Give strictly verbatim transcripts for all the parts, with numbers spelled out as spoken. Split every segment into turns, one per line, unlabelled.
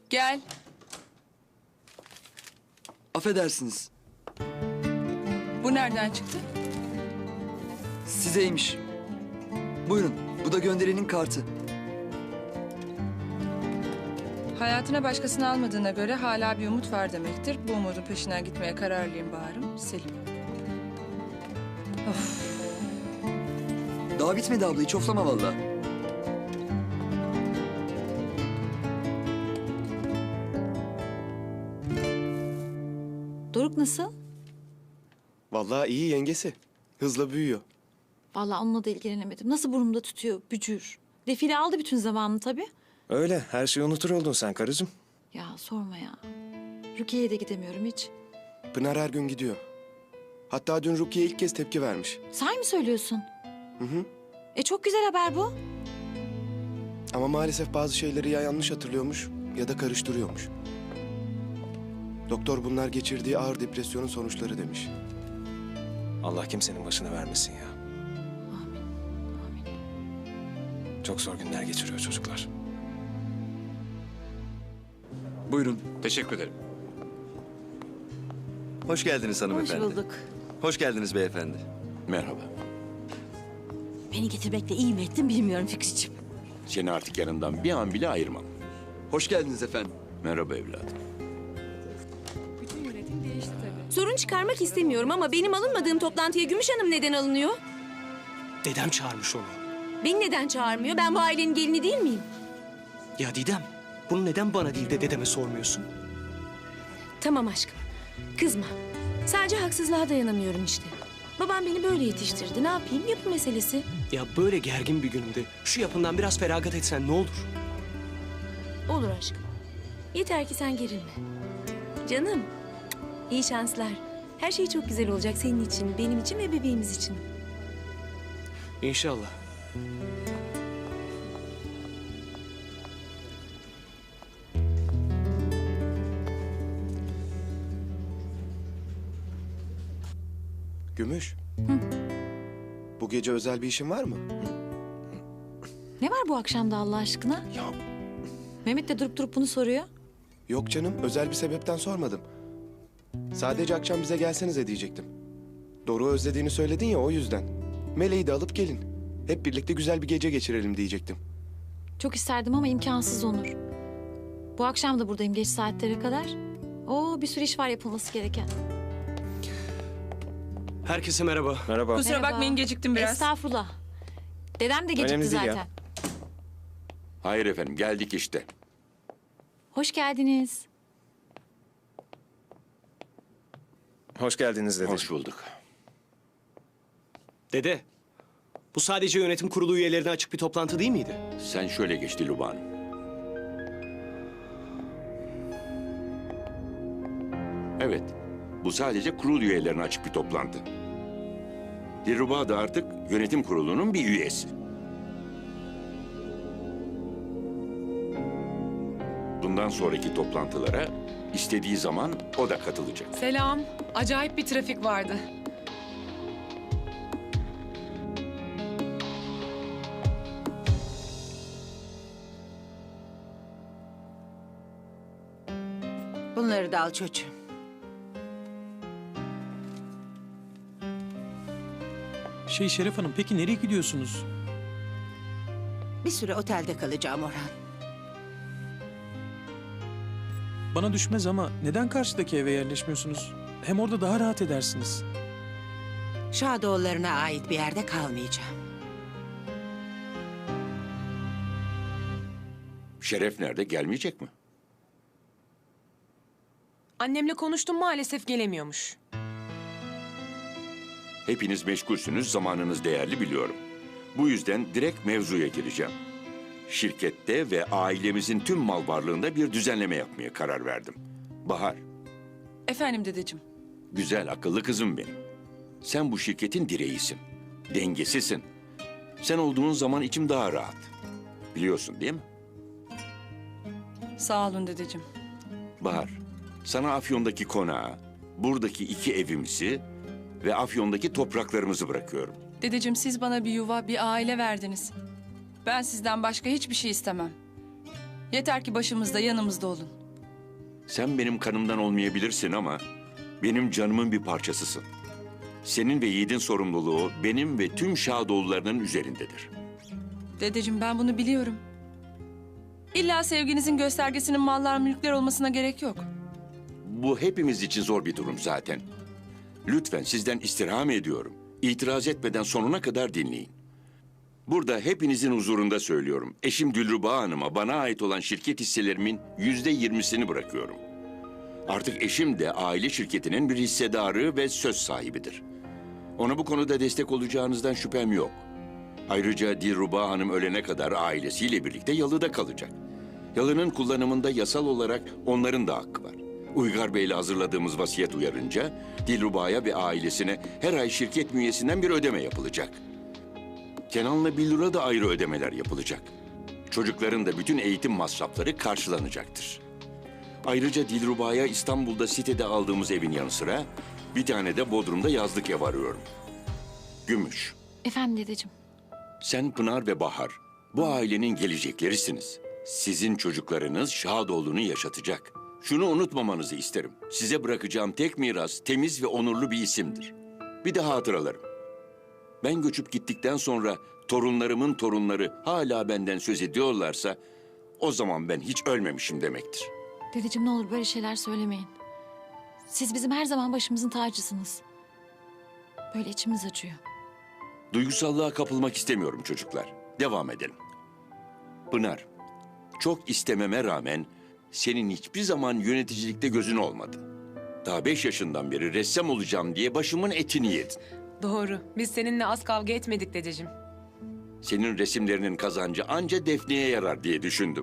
Gel.
Affedersiniz.
Bu nereden çıktı?
Sizeymiş. Buyurun. Bu da gönderenin kartı.
Hayatına başkasını almadığına göre hala bir umut var demektir. Bu umudun peşinden gitmeye kararlıyım Bahar'ım. Selim. Of.
Daha bitmedi abla. Hiç oflama vallahi.
Doruk nasıl?
Vallahi iyi yengesi. Hızla büyüyor.
Vallahi onunla da ilgilenemedim. Nasıl burnumda tutuyor, bücür. Defile aldı bütün zamanını tabii.
Öyle. Her şeyi unutur oldun sen karıcığım.
Ya sorma ya. Rukiye'ye de gidemiyorum hiç.
Pınar her gün gidiyor. Hatta dün Rukiye ilk kez tepki vermiş.
Sahi mi söylüyorsun?
Hı hı.
E çok güzel haber bu.
Ama maalesef bazı şeyleri ya yanlış hatırlıyormuş ya da karıştırıyormuş. Doktor bunlar geçirdiği ağır depresyonun sonuçları demiş.
Allah kimsenin başına vermesin ya.
Amin. Amin.
Çok zor günler geçiriyor çocuklar.
Buyurun.
Teşekkür ederim.
Hoş geldiniz
Hoş
hanımefendi.
bulduk.
Hoş geldiniz beyefendi.
Merhaba.
Beni getirmekle iyi mi ettin bilmiyorum Fikriciğim.
Seni artık yanından bir an bile ayırmam.
Hoş geldiniz efendim.
Merhaba evladım.
Bütün yönetim değişti tabii.
Sorun çıkarmak istemiyorum ama benim alınmadığım toplantıya Gümüş Hanım neden alınıyor?
Dedem çağırmış onu.
Beni neden çağırmıyor? Ben bu ailenin gelini değil miyim?
Ya Didem, bunu neden bana değil de dedeme sormuyorsun?
Tamam aşkım. Kızma. Sadece haksızlığa dayanamıyorum işte. Babam beni böyle yetiştirdi. Ne yapayım? Yapı meselesi.
Ya böyle gergin bir günümde şu yapından biraz feragat etsen ne olur?
Olur aşkım. Yeter ki sen gerilme. Canım. İyi şanslar. Her şey çok güzel olacak senin için, benim için ve bebeğimiz için.
İnşallah.
Gümüş. Bu gece özel bir işin var mı?
Ne var bu akşamda Allah aşkına?
Ya
Mehmet de durup durup bunu soruyor.
yok canım, özel bir sebepten sormadım. Sadece akşam bize gelsenize diyecektim. Doruk'u özlediğini söyledin ya, o yüzden. Meleği de alıp gelin. Hep birlikte güzel bir gece geçirelim diyecektim.
Çok isterdim ama imkansız Onur. Bu akşam da buradayım geç saatlere kadar. Oo bir sürü iş var yapılması gereken.
Herkese merhaba.
Merhaba.
Kusura
Merhaba.
bakmayın geciktim biraz.
Estağfurullah. Dedem de gecikti
Önemli değil ya.
zaten.
Hayır efendim, geldik işte.
Hoş geldiniz.
Hoş geldiniz dedeciğim.
Hoş bulduk.
Dede, bu sadece yönetim kurulu üyelerine açık bir toplantı değil miydi?
Sen şöyle geç Dilruba Hanım. Evet, bu sadece kurul üyelerine açık bir toplantı. Dilruba da artık yönetim kurulunun bir üyesi. Bundan sonraki toplantılara istediği zaman o da katılacak.
Selam. Acayip bir trafik vardı.
Bunları da al çocuğum.
Şey Şeref Hanım, peki nereye gidiyorsunuz?
Bir süre otelde kalacağım Orhan.
Bana düşmez ama neden karşıdaki eve yerleşmiyorsunuz? Hem orada daha rahat edersiniz.
Şadoğullarına ait bir yerde kalmayacağım.
Şeref nerede? Gelmeyecek mi?
Annemle konuştum maalesef gelemiyormuş.
Hepiniz meşgulsünüz, zamanınız değerli biliyorum. Bu yüzden direkt mevzuya gireceğim. Şirkette ve ailemizin tüm mal varlığında bir düzenleme yapmaya karar verdim. Bahar,
Efendim dedeciğim.
güzel akıllı kızım benim. Sen bu şirketin direğisin, dengesisin. Sen olduğun zaman içim daha rahat. Biliyorsun değil mi?
Sağ olun dedeciğim.
Bahar, sana Afyon'daki konağı, buradaki iki evimizi ve Afyon'daki topraklarımızı bırakıyorum.
Dedeciğim siz bana bir yuva, bir aile verdiniz. Ben sizden başka hiçbir şey istemem. Yeter ki başımızda, yanımızda olun.
Sen benim kanımdan olmayabilirsin ama benim canımın bir parçasısın. Senin ve Yiğit'in sorumluluğu benim ve tüm Şadoğullarının üzerindedir.
Dedeciğim ben bunu biliyorum. İlla sevginizin göstergesinin mallar mülkler olmasına gerek yok.
Bu hepimiz için zor bir durum zaten. Lütfen sizden istirham ediyorum. İtiraz etmeden sonuna kadar dinleyin. Burada hepinizin huzurunda söylüyorum. Eşim Dilruba Hanım'a bana ait olan şirket hisselerimin yüzde yirmisini bırakıyorum. Artık eşim de aile şirketinin bir hissedarı ve söz sahibidir. Ona bu konuda destek olacağınızdan şüphem yok. Ayrıca Dilruba Hanım ölene kadar ailesiyle birlikte yalıda kalacak. Yalının kullanımında yasal olarak onların da hakkı var. Uygar Bey'le hazırladığımız vasiyet uyarınca Dilruba'ya ve ailesine her ay şirket bünyesinden bir ödeme yapılacak. Kenan'la Billur'a da ayrı ödemeler yapılacak. Çocukların da bütün eğitim masrafları karşılanacaktır. Ayrıca Dilruba'ya İstanbul'da sitede aldığımız evin yanı sıra bir tane de Bodrum'da yazlık ev arıyorum. Gümüş,
Efendim dedeciğim.
sen Pınar ve Bahar bu ailenin geleceklerisiniz. Sizin çocuklarınız Şadoğlu'nu yaşatacak. Şunu unutmamanızı isterim. Size bırakacağım tek miras temiz ve onurlu bir isimdir. Bir de hatıralarım. Ben göçüp gittikten sonra torunlarımın torunları hala benden söz ediyorlarsa o zaman ben hiç ölmemişim demektir.
Dedeciğim ne olur böyle şeyler söylemeyin. Siz bizim her zaman başımızın tacısınız. Böyle içimiz acıyor.
Duygusallığa kapılmak istemiyorum çocuklar. Devam edelim. Pınar, çok istememe rağmen senin hiçbir zaman yöneticilikte gözün olmadı. Daha beş yaşından beri ressam olacağım diye başımın etini yedin.
Doğru. Biz seninle az kavga etmedik dedeciğim.
Senin resimlerinin kazancı anca Defne'ye yarar diye düşündüm.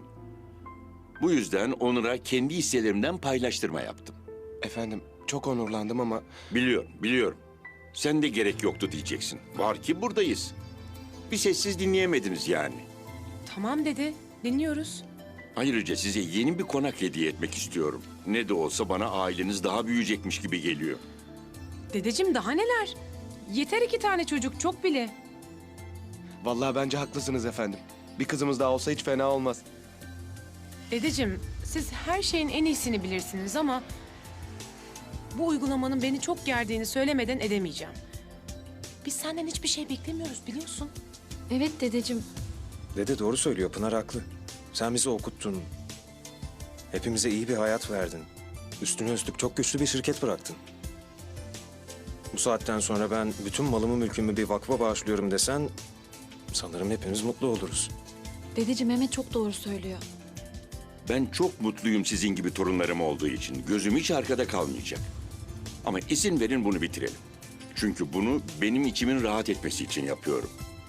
Bu yüzden Onur'a kendi hisselerimden paylaştırma yaptım.
Efendim çok onurlandım ama
Biliyorum, biliyorum. Sen de gerek yoktu diyeceksin. Var ki buradayız. Bir sessiz dinleyemediniz yani.
Tamam dede. Dinliyoruz.
Ayrıca size yeni bir konak hediye etmek istiyorum. Ne de olsa bana aileniz daha büyüyecekmiş gibi geliyor.
Dedeciğim daha neler? Yeter iki tane çocuk. Çok bile.
vallahi bence haklısınız efendim. Bir kızımız daha olsa hiç fena olmaz.
Dedeciğim siz her şeyin en iyisini bilirsiniz ama... ...bu uygulamanın beni çok gerdiğini söylemeden edemeyeceğim. Biz senden hiçbir şey beklemiyoruz biliyorsun.
Evet dedeciğim.
Dede doğru söylüyor, Pınar haklı. Sen bizi okuttun. Hepimize iyi bir hayat verdin. Üstüne üstlük çok güçlü bir şirket bıraktın. Bu saatten sonra ben bütün malımı mülkümü bir vakfa bağışlıyorum desen... ...sanırım hepimiz mutlu oluruz.
Dedeciğim Mehmet çok doğru söylüyor.
Ben çok mutluyum sizin gibi torunlarım olduğu için. Gözüm hiç arkada kalmayacak. Ama izin verin bunu bitirelim. Çünkü bunu benim içimin rahat etmesi için yapıyorum.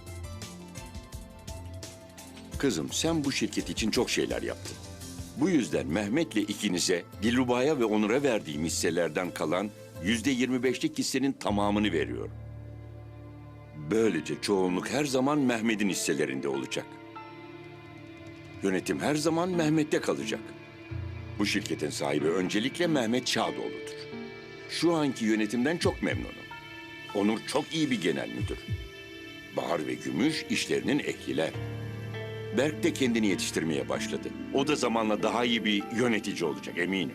Kızım sen bu şirket için çok şeyler yaptın. Bu yüzden Mehmet'le ikinize Dilruba'ya ve Onur'a verdiğim hisselerden kalan yüzde yirmi beşlik hissenin tamamını veriyorum. Böylece çoğunluk her zaman Mehmet'in hisselerinde olacak. Yönetim her zaman Mehmet'te kalacak. Bu şirketin sahibi öncelikle Mehmet Şadoğlu'dur. Şu anki yönetimden çok memnunum. Onur çok iyi bir genel müdür. Bahar ve Gümüş işlerinin ehliler. Berk de kendini yetiştirmeye başladı. O da zamanla daha iyi bir yönetici olacak eminim.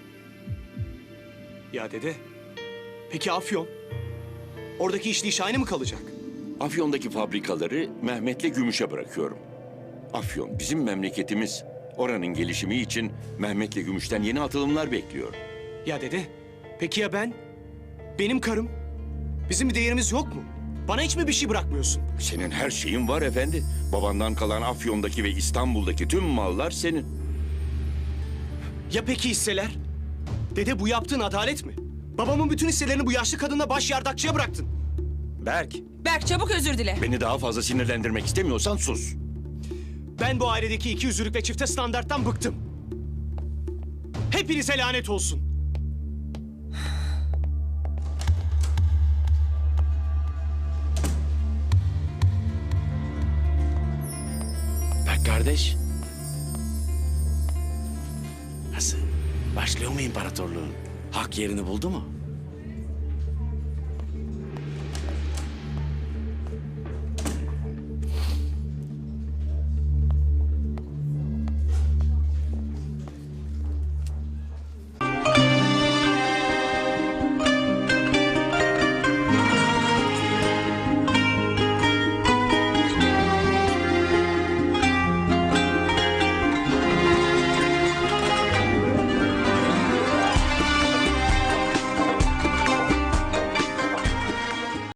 Ya dede, peki Afyon? Oradaki işleyiş aynı mı kalacak?
Afyon'daki fabrikaları Mehmet'le Gümüş'e bırakıyorum. Afyon bizim memleketimiz. Oranın gelişimi için Mehmet'le Gümüş'ten yeni atılımlar bekliyorum.
Ya dede, peki ya ben? Benim karım? Bizim bir değerimiz yok mu? Bana hiç mi bir şey bırakmıyorsun?
Senin her şeyin var efendi. Babandan kalan Afyon'daki ve İstanbul'daki tüm mallar senin.
Ya peki hisseler? Dede bu yaptığın adalet mi? Babamın bütün hisselerini bu yaşlı kadınla baş yardakçıya bıraktın.
Berk,
Berk çabuk özür dile.
Beni daha fazla sinirlendirmek istemiyorsan sus.
Ben bu ailedeki iki yüzlülük ve çifte standarttan bıktım. Hepinize lanet olsun.
Bak kardeş. Nasıl? Başlıyor mu imparatorluğun? Hak yerini buldu mu?